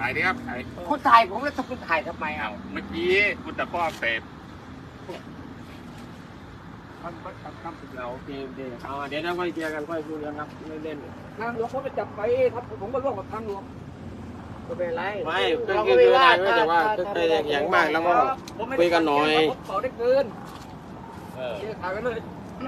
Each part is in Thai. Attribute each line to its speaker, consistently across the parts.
Speaker 1: ถ่ายดิครับถ่าย
Speaker 2: คุณถ่ายผมแล้วคุณถ่ายทำไมอ่ะ
Speaker 1: เมื่อกี้คุณตะก้อเสพ
Speaker 3: เราโอเคเดี๋ยวเราค่อยเคลียร์กันค่อยคุยกันครับไม่เล่นทางหลวงเขาไปจับไปครับผมก็ร่วมกับทางหลวงก็เป็นไรไม่คือได้แต่ว่าอย่างมากแล้วก็คุยกันหน่อยเขาได้เกินถ่ายกันเลย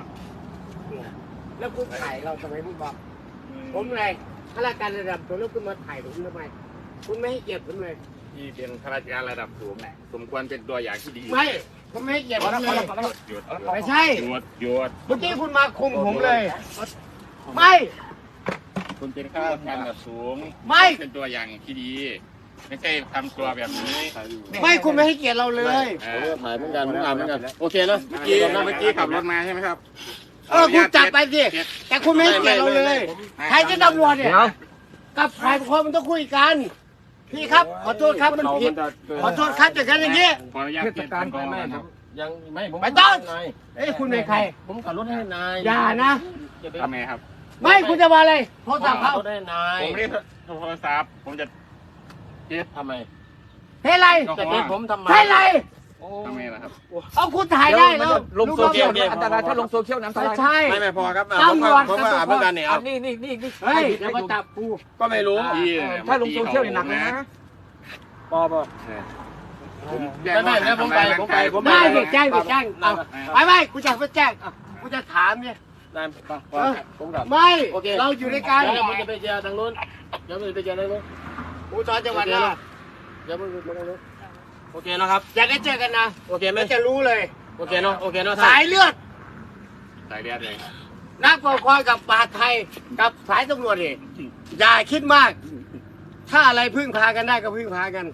Speaker 2: แล้วคุณถ่ายเราทำไมคุณบอกผมไงข้าราชการระดับสูงแล้วคุณมาถ่ายผมทำไมคุณไม่ให้เกียรติผมเลย
Speaker 1: ที่เป็นข้าราชการระดับสูงสมควรเป็นตัวอย่างที่ดี
Speaker 2: ไม่ผมไม่ให้เกียรติผมเลย
Speaker 1: หยุด
Speaker 2: ไม่ใช่
Speaker 1: หยุด
Speaker 2: เมื่อกี้คุณมาคุมผมเลยไม่
Speaker 1: คุณเป็นข้าราชการระดับสูง
Speaker 2: ไม่
Speaker 1: เป็นตัวอย่างที่ดี ไม่ใช่ทำตัวแบบนี้
Speaker 2: ไม่คุณไม่ให้เกียรติเราเลย
Speaker 3: ถ่ายเหมือนกันผมอ่านเหมือนกันโอเคนะ
Speaker 1: เมื่อกี้ขับรถมาใช่ไหมครับ
Speaker 2: คุณจับไปสิแต่คุณไม่ให้เกียรติเราเลยใครจะตำรวจเนี่ยกับฝ่ายปกครองมันต้องคุยกันพี่ครับขอโทษครับมันผิดขอโทษครับจากการอย่างนี้
Speaker 1: ขออนุญาตเปลี่ยนเป็นกองนะครับ
Speaker 3: ยังไม่ผม
Speaker 2: ไม่ต้องเอ้ยคุณเป็นใคร
Speaker 3: ผมขับรถให้นาย
Speaker 2: อย่านะ
Speaker 1: ทำไมครับ
Speaker 2: ไม่คุณจะมาอะไรโทรศัพท์เขา
Speaker 3: รถให้นาย
Speaker 1: ผมไม่ได้โทรศัพท์ผมจะเจ็บ
Speaker 3: ทำไม
Speaker 2: เฮ้ยไร
Speaker 3: จะเป็นผมทำไม
Speaker 2: ใช่ไร
Speaker 1: ทำไมล่ะครับ
Speaker 2: เอาคุณถ่ายได้แล้ว
Speaker 3: ลงโซเชียลเนี่ยอันตรายถ้าลงโซเชียลน้ำตา
Speaker 2: ไม่
Speaker 3: ล
Speaker 2: ใช่
Speaker 3: ไม่พอครับ
Speaker 2: ตำรวจ
Speaker 3: ผมอ่านเหมือนกันเนี่ยนี่
Speaker 2: เฮ้ยเดี๋ยวมาจับกู
Speaker 3: ก็ไม่รู้
Speaker 1: ถ้าลงโซเชียลนี่หนักนะ
Speaker 3: ปอ
Speaker 1: ไม่แล้วผมไป
Speaker 2: ได้เด็กแจ้งเอาไปกูจะไปแจ้งกูจะถามเนี่ย
Speaker 3: ได้ผมกลับ
Speaker 2: ไม่เราอยู่ในการ
Speaker 3: เดี๋ยวผมจะไปเจอทางนู้นเดี๋ยวผมจะไปเจอทางนู้น
Speaker 2: กูสอนจังหวัดนะ
Speaker 3: เดี๋ยวผมจะไปทางนู้นโอเคนะครับ
Speaker 2: อยากได้เจอกันนะ
Speaker 3: โอเคไหม
Speaker 2: ไม่จะรู้เลย
Speaker 3: โอเคเนาะโอเคเนาะ
Speaker 2: สายเลือด
Speaker 1: สายเลือดเลย
Speaker 2: นักปกครองกับป่าไทยกับสายตำรวจนี่อย่าคิดมาก ถ้าอะไรพึ่งพากันได้ก็พึ่งพากัน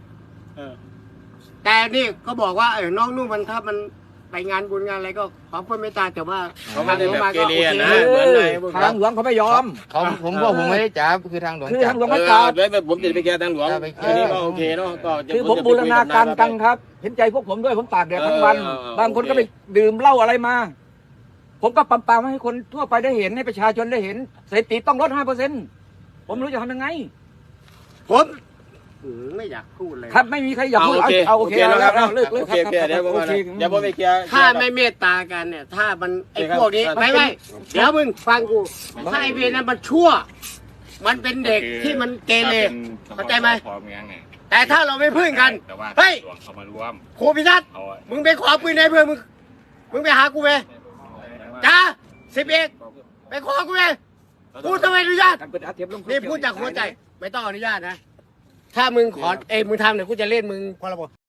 Speaker 2: แต่นี่ก็บอกว่าน้องนุ่มมันถ้ามันไปงานบุญงานอะไรก็ขอความเมตตาแต่ว่า
Speaker 3: เขาไม่ได้แบบเกเรนะ
Speaker 4: ทางหลวงเขาไม่ยอม
Speaker 5: ผมไม่ได้จับคือทางหลวง
Speaker 4: คือ
Speaker 5: จั
Speaker 4: ทา
Speaker 5: บ
Speaker 4: งหลวงไม่จับ
Speaker 3: ด้วยผมจะไปแก้ทางหลวงทีนี้ก็โอเคเนาะก็
Speaker 4: คือผมบูรณาการกันครับ เห็นใจพวกผมด้วยผมตากแดดทั้งวัน บางคนก็ไปดื่มเหล้าอะไรมา ผมก็ปั๊มให้คนทั่วไปได้เห็นให้ประชาชนได้เห็นเสรีต้องลด 5%ผมรู้จะทำยังไง
Speaker 2: ผมไม่อยากพูดเลย
Speaker 4: ครับไม่มีใครอยากพูดเอาโอเคแล้วเลิก
Speaker 3: โอ
Speaker 4: ค
Speaker 3: เครับ เดี๋ยวผมเดี๋ยวผมไปเคลียร์
Speaker 2: ถ้าไม่เมตตากันเนี่ย ถ้ามันไอ้พวกนี้ไม่เดี๋ยวมึงฟังกูถ้าไอ้เวรนั้นมันชั่ว มันเป็นเด็กที่มันเกเรเข้าใจไหมแต่ถ้าเราไม่พึ่งกัน
Speaker 1: แต่ว่า
Speaker 2: เฮ้ย
Speaker 1: เขามารวม
Speaker 2: ครูพิทัศน์มึงไปขอปืนในเพื่อนมึงไปหากูไหมจ้า11ไปขอกูไหมกูทำไมอนุญาตนี่พูดจากหัวใจไม่ต้องอนุญาตนะถ้ามึงขอมึงทำเนี่ยกูจะเล่นมึงพรบ